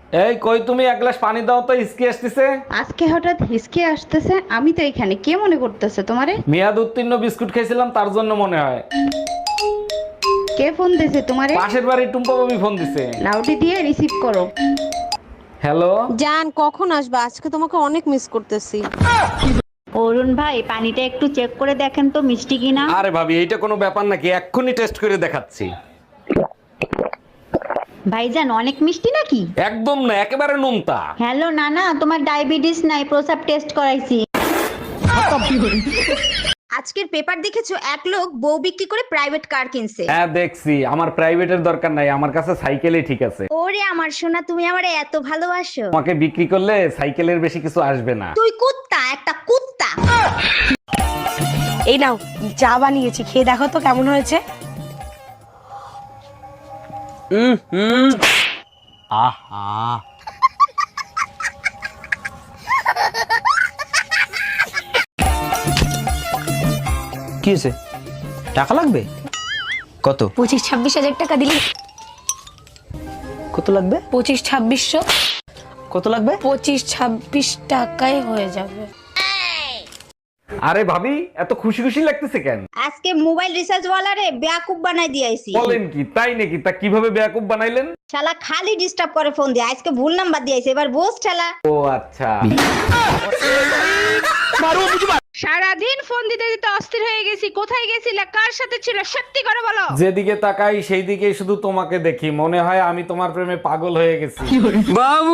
এই কই তুমি, এক গ্লাস পানি দাও তো, হিসকি আসতেছে। আজকে হঠাৎ হিসকে আসতেছে? আমি তো এখানে, কে মনে করতেছে তোমারে? মেয়াদ উত্তীর্ণ বিস্কুট খেয়েছিলাম, তার জন্য মনে হয়। কে ফোন দিছে তোমারে? পাশের বাড়ি টুম্পা ভাবি ফোন দিছে। লাউডি দিয়ে রিসিভ করো। হ্যালো জান, কখন আসবা? আজকে তোমাকে অনেক মিস করতেছি। অরুণ ভাই, পানিটা একটু চেক করে দেখেন তো মিষ্টি কিনা। আরে ভাবি, এইটা কোনো ব্যাপার নাকি? এক্ষুনি টেস্ট করে দেখাচ্ছি। ভাইজান, অনেক মিষ্টি নাকি? একদম না, একেবারে নোনতা। হ্যালো নানা, তোমার ডায়াবেটিস নাই, প্রসাব টেস্ট করাইছি। আজকের পেপার দেখেছো? এক লোক বউ বিক্রি করে প্রাইভেট কার কিনছে। হ্যাঁ দেখছি, আমার প্রাইভেটের দরকার নাই, আমার কাছে সাইকেলই ঠিক আছে। ওরে আমার সোনা, তুমি আমারে এত ভালোবাসো। তোমাকে বিক্রি করলে সাইকেলের বেশি কিছু আসবে না। তুই কুত্তা, একটা কুত্তা। এই নাও, চা বানিয়েছি, খেয়ে দেখো তো কেমন হয়েছে। আহা, কি হয়েছে? টাকা লাগবে? কত? 25-26 হাজার টাকা দিলে। কত লাগবে? 25-2600। কত লাগবে? 25-26 টাকায় হয়ে যাবে। আরে ভাবি, এত খুশি খুশি লাগতেছে কেন? আজকে মোবাইল রিচার্জ ওয়ালারে বেয়াকুব বানাই দিয়েছি। বলেন কি, তাই নাকি? তা কিভাবে বেয়াকুব বানাইলেন? শালা খালি ডিস্টার্ব করে ফোন দিয়ে। আজকে ভুল নাম্বার দিয়েছে, এবার বোস ঠেলা। ও আচ্ছা। সারাদিন ফোন দিতে দিতে অস্থির হয়ে গেছি। কোথায় গেছিলে, কার সাথে ছিল, সত্যি করে বলো। যেদিকে তাকাই সেই দিকেই শুধু তোমাকে দেখি, মনে হয় আমি তোমার প্রেমে পাগল হয়ে গেছি। বাবু,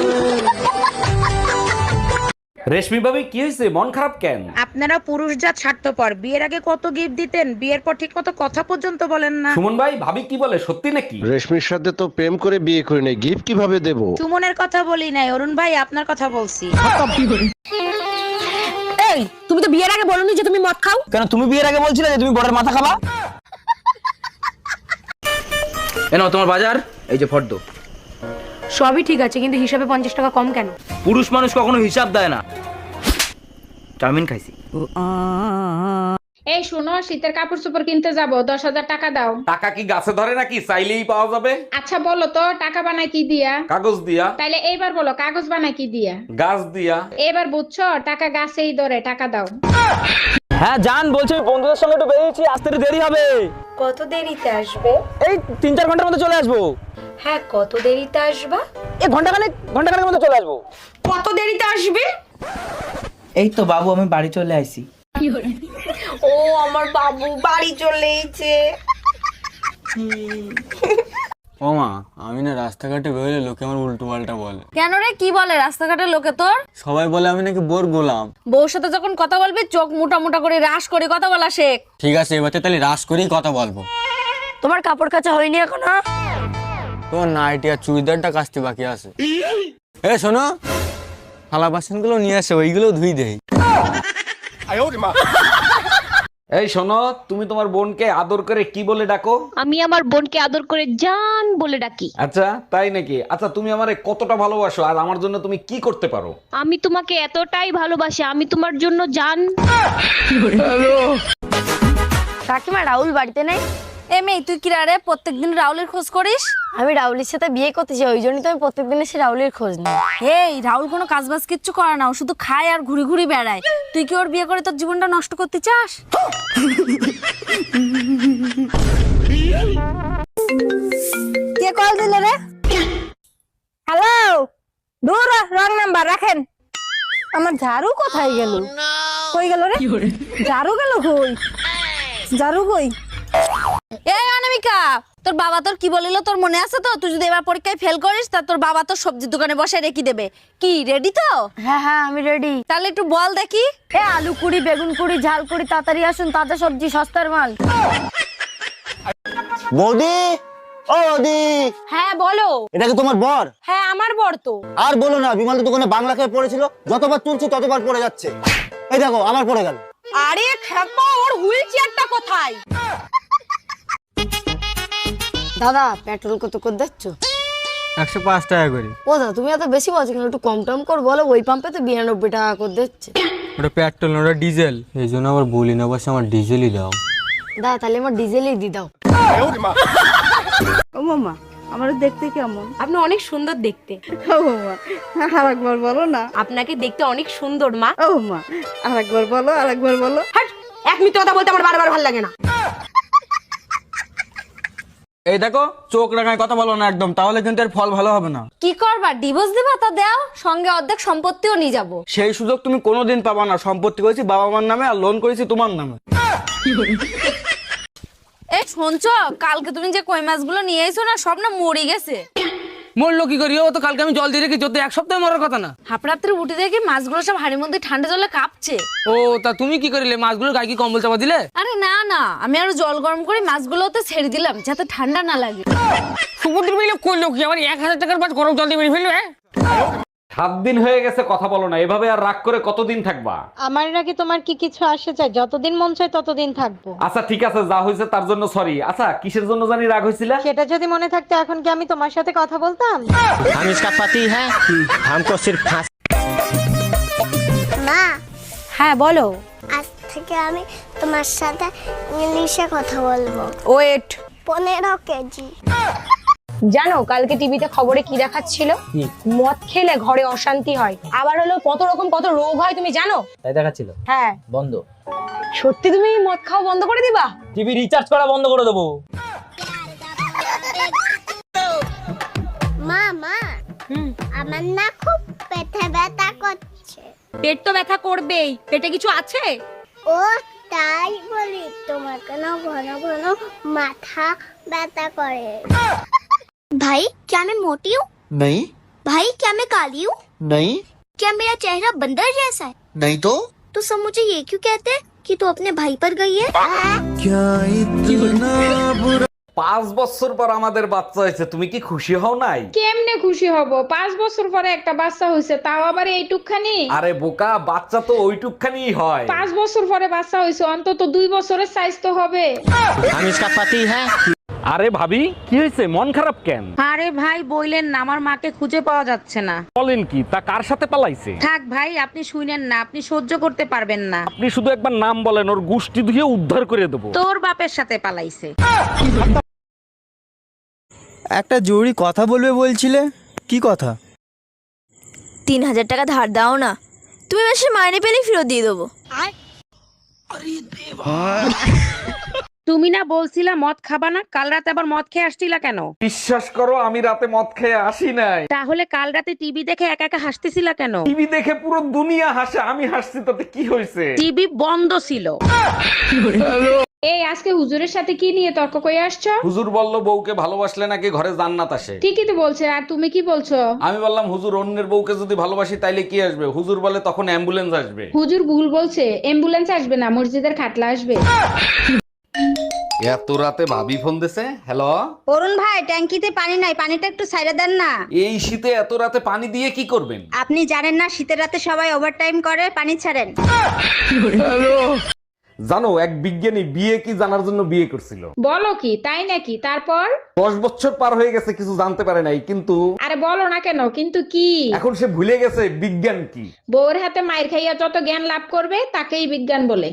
রেশমি ভাবি, কি হয়েছে? মন খারাপ কেন? আপনারা পুরুষ জাত স্বার্থপর। বিয়ের আগে কত গিফট দিতেন, বিয়ের পর ঠিক মতো কথা পর্যন্ত বলেন না। সুমন ভাই, ভাবি কি বলে, সত্যি নাকি? রেশমির সাথে তো প্রেম করে বিয়ে করি নাই, গিফট কিভাবে দেব? সুমনের কথা বলি নাই, অরুণ ভাই আপনার কথা বলছি। এই, তুমি তো বিয়ের আগে বলোনি যে তুমি মদ খাও। কেন তুমি বিয়ের আগে বলছিলে যে তুমি বড়ের মাথা খাবা? এনো তোমার বাজার, এই যে ফর্দ। সবই ঠিক আছে, কিন্তু হিসাবে 50 টাকা কম কেন? পুরুষ মানুষ কখনো হিসাব দেয় না। চাউমিন খাইছি। এই শোনো, শীতের কাপড় চোপড় কিনতে যাবো, 10,000 টাকা দাও। টাকা কি গাছে ধরে নাকি? চাইলেই পাওয়া যাবে। আচ্ছা বলো তো, টাকা বানায় কি দিয়া? কাগজ দিয়া। তাইলে এইবার বলো, কাগজ বানায় কি দিয়া? গাছ দিয়া। এবার বুঝছো, টাকা গাছেই ধরে, টাকা দাও। হ্যাঁ জান, বলছি আমি বন্ধুদের সঙ্গে একটু বেরিয়েছি, আসতে একটু দেরি হবে। কত দেরিতে আসবে? এই 3-4 ঘন্টার মধ্যে চলে আসবো। হ্যাঁ, কত দেরিতে আসবা? এই ঘন্টাখানেকের মধ্যে চলে আসবো। কত দেরিতে আসবে? এই তো বাবু, আমি বাড়ি চলে আইছি। ও আমার বাবু বাড়ি চলে এসেছে। ও মা, আমি না রাস্তাঘাটে বেরোলে লোকে আমার উল্টো পাল্টা বলে। কেন রে, কি বলে রাস্তাঘাটের লোকে তোর? সবাই বলে আমি নাকি বোর গোলাম। বউর সাথে যখন কথা বলবি, চোখ মোটা মোটা করে রাশ করে কথা বলা শেখ। ঠিক আছে, এবার তাহলে রাস করেই কথা বলবো। তোমার কাপড় কাচা হয়নি এখনো? তোমার নাইটি আর চুড়িদারটা কাচতে বাকি আছে। এ শোনো, থালা বাসনগুলো নিয়ে আসো, ওইগুলো ধুই দেই। এই শোনো, তুমি তোমার বোনকে আদর করে কি বলে ডাকো? আমি আমার বোনকে আদর করে জান বলে ডাকি। আচ্ছা তাই নাকি? আচ্ছা, তুমি আমারে কতটা ভালোবাসো আর আমার জন্য তুমি কি করতে পারো? আমি তোমাকে এতটাই ভালোবাসি, আমি তোমার জন্য জান। কাকিমা, রাহুল বাড়িতে নেই? এ মেয়ে, তুই কি রে প্রত্যেকদিন রাহুলের খোঁজ করিস? আমি রাহুলের সাথে বিয়ে করতেছি, ওই জন্যই তো আমি প্রত্যেকদিন এসে রাহুলের খোঁজ নিই। এই রাহুল কোনো কাজবাজ কিচ্ছু করে না, ও শুধু খায় আর ঘুরি ঘুরি বেড়ায়। তুই কি ওর বিয়ে করে তোর জীবনটা নষ্ট করতে চাস? কে কল দিল রে? হ্যালো, দূর রং নাম্বার রাখেন। আমার ঝাড়ু কোথায় গেল? কই গেল রে? ঝাড়ু গেল কই? ঝাড়ু কই? এই অনামিকা, তোর বাবা তোর কি বলিল তোর মনে আছে তো? তুই যদি এবার পরীক্ষায় ফেল করিস, তা তোর বাবা তোর সবজির দোকানে বসে রেখে দেবে। কি রেডি তো? হ্যাঁ হ্যাঁ, আমি রেডি। তাহলে একটু বল দেখি। এ আলু কুড়ি, বেগুন কুড়ি, ঝাল কুড়ি, তাড়াতাড়ি আসুন, তাজা সবজি, সস্তার মাল। বৌদি, ও বৌদি, হ্যাঁ বলো। এটা কি তোমার বর? হ্যাঁ আমার বর তো। আর বলো না, বিমলের দোকানে বাংলা খেয়ে পড়েছিল, যতবার তুলছি ততবার পড়ে যাচ্ছে। এই দেখো, আমার পড়ে গেল। আরে খেপা, ওর হুইল চেয়ারটা কোথায়? দাদা, পেট্রোল কত করে দিচ্ছ? 105 টাকা করে। ও দাদা, তুমি এত বেশি বলছো কেন? একটু কম টম কর বলো। ওই পাম্পে তো 92 টাকা করে দিচ্ছে। ওটা পেট্রোল, ওটা ডিজেল। এই জন্য আবার বলি না, বসে আমার ডিজেলই দাও। দাদা, তাহলে আমার ডিজেলই দি দাও। ও মামা, আমার দেখতে কেমন? আপনি অনেক সুন্দর দেখতে। ও মা, আরেকবার বলো না। আপনাকে দেখতে অনেক সুন্দর মা। ও মা, আরেকবার বলো, আরেকবার বলো। হাট, এক মিনিট কথা বলতে আমার বারবার ভালো লাগে না। এই দেখো, চোখ রাঙায় কথা বলো না একদম, তাহলে কিন্তু এর ফল ভালো হবে না। কি করবা, ডিভোর্স দিবা? তা দাও, সঙ্গে অর্ধেক সম্পত্তিও নিয়ে যাবো। সেই সুযোগ তুমি কোনোদিন পাবা না। সম্পত্তি করেছি বাবা মার নামে, আর লোন করেছি তোমার নামে। এই শুনছো, কালকে তুমি যে কই মাছগুলো নিয়ে এসো না, সব না মরে গেছে। মরলো কি করি? ও তো কালকে আমি জল দিয়ে রেখেছি, তো এক সপ্তাহে মরার কথা না। হাফরাত্রে উঠে দেখি মাছগুলো সব হাড়ির মধ্যে ঠান্ডা জলে কাঁপছে। ও তা তুমি কি করিলে? মাছগুলো গায়ে কি কম্বল চাপা দিলে? আরে না না, আমি আরো জল গরম করে মাছগুলোতে ছেড়ে দিলাম যাতে ঠান্ডা না লাগে। সুপুত্র মিলে করলো কি? আমার 1000 টাকার মাছ গরম জল দিয়ে মেরে ফেললো। 7 দিন হয়ে গেছে কথা বলো না, এভাবে আর রাগ করে কতদিন থাকবা? আমার নাকি তোমার কি কিছু আসে চাই? যতদিন মন চায় ততদিন থাকবো। আচ্ছা ঠিক আছে, যা হয়েছে তার জন্য সরি। আচ্ছা কিসের জন্য জানি রাগ হয়েছিল? সেটা যদি মনে থাকতো এখন কি আমি তোমার সাথে কথা বলতাম? हम इसका पति है, हमको सिर्फ फांसी। মা, হ্যাঁ বলো। আজ থেকে আমি তোমার সাথে ইংলিশে কথা বলবো। ওয়েট। 15 কেজি। জানো কালকে টিভিতে খবরে কি দেখাচ্ছিল? মদ খেলে ঘরে অশান্তি হয়, আবার হলো কত রকম কত রোগ হয়, তুমি জানো? তাই দেখাচ্ছিল? হ্যাঁ। বন্ধ। সত্যি তুমি মদ খাওয়া বন্ধ করে দিবা? টিভি রিচার্জ করা বন্ধ করে দেবো। মা মা, আমার না খুব পেটে ব্যথা করছে। পেট তো ব্যথা করবেই, পেটে কিছু আছে? ও তাই বলি, তোমার কেন ঘন ঘন মাথা ব্যথা করে? भाई क्या मैं मोटी हूँ? नहीं भाई क्या मैं काली हूँ? नहीं क्या मेरा चेहरा बंदर जैसा है? नहीं तो सब मुझे ये क्यों कहते हैं कि तू अपने भाई पर गई है? 5 বছর পর আমাদের বাচ্চা হয়েছে, তুমি কি খুশি হও নাই? কেমনে খুশি হব? 5 বছর পরে একটা বাচ্চা হয়েছে, তাও আবার এইটুকখানি। আরে বোকা, বাচ্চা তো ওইটুকখানি হয়। 5 বছর পরে বাচ্চা হয়েছে, অন্তত 2 বছরের সাইজ তো হবে। हम इसका पति है। আরে ভাবি, কি হয়েছে? মন খারাপ কেন? আরে ভাই বইলেন না, আমার মাকে খুঁজে পাওয়া যাচ্ছে না। বলেন কি? তা কার সাথে পালাইছে? থাক ভাই, আপনি শুনেন না, আপনি সহ্য করতে পারবেন না। আপনি শুধু একবার নাম বলেন, ওর গুষ্টি ধুয়ে উদ্ধার করে দেবো। তোর বাপের সাথে পালাইছে। একটা জরুরি কথা বলবে বলছিলে, কি কথা? 3000 টাকা ধার দাও না, তুমি মাসে মাইনে পেলে ফেরত দিয়ে দেবো। তুমি না বলছিলা মদ খাবা না? কাল রাতে আবার মদ খেয়ে আসছিলা কেন? বিশ্বাস করো, আমি রাতে মদ খেয়ে আসি নাই। তাহলে কাল রাতে টিভি দেখে একা একা হাসতেছিলা কেন? টিভি দেখে পুরো দুনিয়া হাসে, আমি হাসছি তাতে কি হয়েছে? টিভি বন্ধ ছিল। এই আজকে হুজুরের সাথে কি নিয়ে তর্ক করে আসছো? হুজুর বলল বউকে ভালোবাসলে নাকি ঘরে জান্নাত আসে। ঠিকই তো বলছে, আর তুমি কি বলছো? আমি বললাম হুজুর, অন্যের বউকে যদি ভালোবাসি তাইলে কি আসবে? হুজুর বলে তখন অ্যাম্বুলেন্স আসবে। হুজুর ভুল বলছে, অ্যাম্বুলেন্স আসবে না, মসজিদের খাটলা আসবে। এত রাতে ভাবি ফোন দিছে। হ্যালো অরুণ ভাই, ট্যাঙ্কিতে পানি নাই, পানিটা একটু ছাইড়া দেন না। এই শীতে এত রাতে পানি দিয়ে কি করবেন? আপনি জানেন না শীতের রাতে সবাই ওভারটাইম করে, পানি ছাড়েন। জানো, এক বিজ্ঞানী বিয়ে কি জানার জন্য বিয়ে করছিল। বলো কি, তাই নাকি? তারপর? 10 বছর পার হয়ে গেছে, কিছু জানতে পারে নাই, কিন্তু আরে বলো না কেন, কিন্তু কি? এখন সে ভুলে গেছে বিজ্ঞান কি। বউর হাতে মায়ের খাইয়া যত জ্ঞান লাভ করবে তাকেই বিজ্ঞান বলে।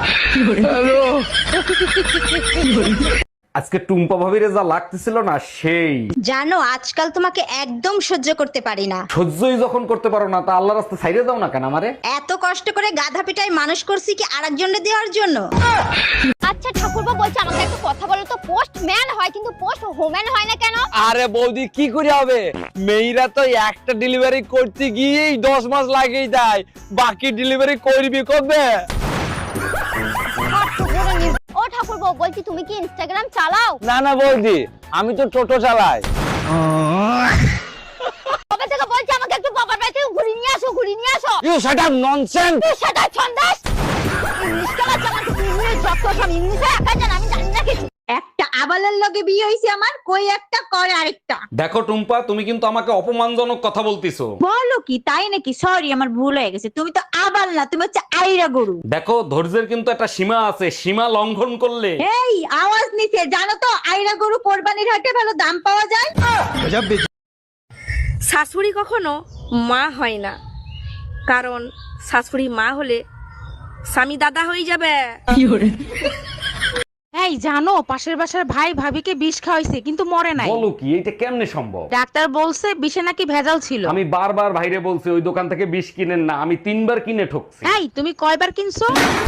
আজকে টুম্পা ভাবিরে যা লাগতেছিল না, সেই। জানো আজকাল তোমাকে একদম সহ্য করতে পারি না। সহ্যই যখন করতে পারো না, তা আল্লাহ রাস্তা ছাইড়ে দাও না কেন আমারে? এত কষ্ট করে গাধা পিটাই মানুষ করছি কি আরেকজনকে দেওয়ার জন্য? আচ্ছা ঠাকুরপো বলছে আমাকে একটা কথা বলো তো, পোস্টম্যান হয় কিন্তু পোস্ট হোম্যান হয় না কেন? আরে বৌদি, কি করে হবে? মেয়েরা তো একটা ডেলিভারি করতে গিয়েই 10 মাস লাগেই দেয়, বাকি ডেলিভারি করবি কবে? ও ঠাকুরপো বলছি, তুমি কি ইনস্টাগ্রাম চালাও? না না বৌদি, আমি তো টোটো চালাই। কবে থেকে বলছি আমাকে একটু বাবার বাড়ি থেকে ঘুরিয়ে নিয়ে আসো, ঘুরিয়ে নিয়ে আসো। You shut up nonsense. তুই সেটা ছন্দাস। ইংলিশ ক্লাস আমার ইংলিশ যত সব ইংলিশে একা জান, আমি জানি না কিছু। একটা আবালের লগে বিয়ে হইছে আমার, কই একটা করে আরেকটা। দেখো টুম্পা, তুমি কিন্তু আমাকে অপমানজনক কথা বলতিছো। বলো কি, তাই নাকি? সরি, আমার ভুল হয়ে গেছে। তুমি তো আবাল না, তুমি হচ্ছে আইরা গরু। দেখো, ধৈর্যের কিন্তু একটা সীমা আছে, সীমা লঙ্ঘন করলে। এই আওয়াজ নিচে, জানো তো আইরা গরু কোরবানির হাটে ভালো দাম পাওয়া যায়। শাশুড়ি কখনো মা হয় না, কারণ শাশুড়ি মা হলে স্বামী দাদা হয়ে যাবে। এই জানো পাশের বাসার ভাই ভাবিকে বিষ খাওয়াইছে কিন্তু মরে নাই। বলো কি, এটা কেমনে সম্ভব? ডাক্তার বলছে বিষে নাকি ভেজাল ছিল। আমি বারবার ভাইরে বলছি ওই দোকান থেকে বিষ কিনেন না, আমি 3 বার কিনে ঠকছি। এই তুমি কয়বার কিনছো?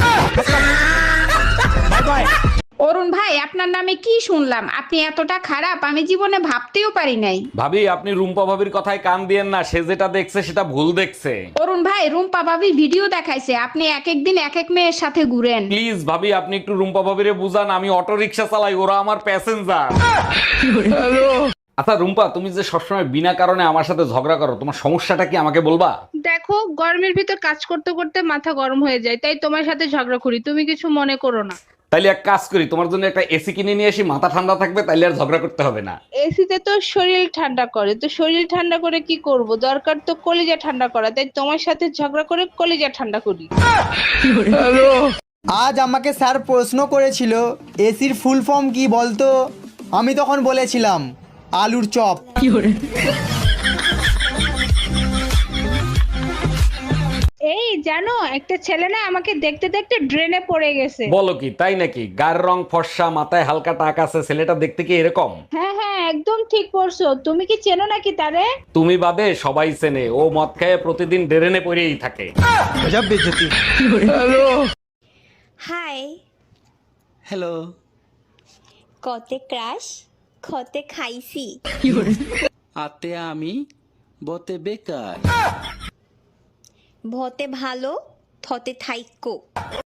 অরুণ ভাই আপনার নামে কি শুনলাম? আপনি এতটা খারাপ আমি জীবনে ভাবতেও পারি নাই। ভাবি আপনি রুম্পা ভাবির কথায় কান দিয়েন না, সে যেটা দেখছে সেটা ভুল দেখছে। অরুণ ভাই রুম্পা ভাবি ভিডিও দেখাইছে আপনি এক এক দিন এক এক মেয়ের সাথে ঘুরেন। প্লিজ ভাবি আপনি একটু রুম্পা ভাবিরে বুঝান, আমি অটো রিকশা চালাই, ওরা আমার প্যাসেঞ্জার। আচ্ছা রুম্পা, তুমি যে সবসময় বিনা কারণে আমার সাথে ঝগড়া করো, তোমার সমস্যাটা কি আমাকে বলবা? দেখো গরমের ভিতর কাজ করতে করতে মাথা গরম হয়ে যায়, তাই তোমার সাথে ঝগড়া করি, তুমি কিছু মনে করো না। তাইলে এক কাজ করি, তোমার জন্য একটা এসি কিনে নিয়ে আসি, মাথা ঠান্ডা থাকবে, তাইলে আর ঝগড়া করতে হবে না। এসিতে তো শরীর ঠান্ডা করে, তো শরীর ঠান্ডা করে কি করব? দরকার তো কলিজা ঠান্ডা করা, তাই তোমার সাথে ঝগড়া করে কলিজা ঠান্ডা করি। আজ আমাকে স্যার প্রশ্ন করেছিল এসির ফুল ফর্ম কি বলতো? আমি তখন বলেছিলাম আলুর চপ। এই জানো একটা ছেলে না আমাকে দেখতে দেখতে ড্রেনে পড়ে গেছে। বলো কি, তাই নাকি? গায়ের রং ফর্সা, মাথায় হালকা টাক আছে, ছেলেটা দেখতে কি এরকম? হ্যাঁ হ্যাঁ একদম ঠিক পড়ছো। তুমি কি চেনো নাকি তারে? তুমি বাদে সবাই চেনে, ও মদ খায় প্রতিদিন ডেরেনে পড়েই থাকে। Hi hello. কতে ক্রাশ খতে খাইছি আতে আমি বতে বেকার। ভতে ভালো থতে থাইক্য।